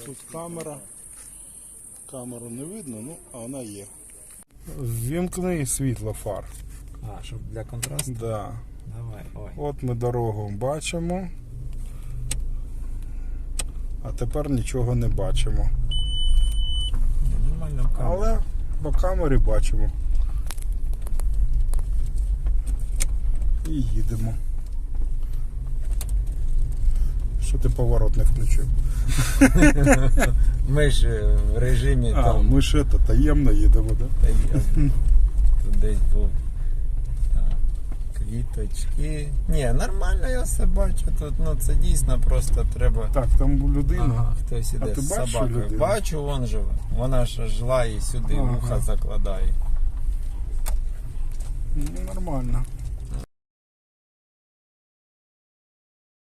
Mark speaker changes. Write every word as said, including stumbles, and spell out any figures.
Speaker 1: Тут камера. Камеру не видно, ну, а вона є. Ввімкни світло фар.
Speaker 2: А, щоб для контрасту?
Speaker 1: Да.
Speaker 2: Давай, ой.
Speaker 1: От ми дорогу бачимо. А тепер нічого не бачимо.
Speaker 2: Нормально в камері.
Speaker 1: Але по камері бачимо. І їдемо. Що ти поворот не включив?
Speaker 2: Ми ж в режимі
Speaker 1: А,
Speaker 2: там.
Speaker 1: ми ж це, таємно їдемо, так?
Speaker 2: Та я тут десь був. Так, квіточки. Ні, нормально я все бачу. Тут ну це дійсно просто треба.
Speaker 1: Так, там людина.
Speaker 2: Ага, хтось іде
Speaker 1: ти
Speaker 2: з
Speaker 1: бачиш
Speaker 2: собакою.
Speaker 1: людину?
Speaker 2: Бачу, вон живе. Вона ж жила і сюди
Speaker 1: Ага.
Speaker 2: вуха закладає.
Speaker 1: Ну, нормально.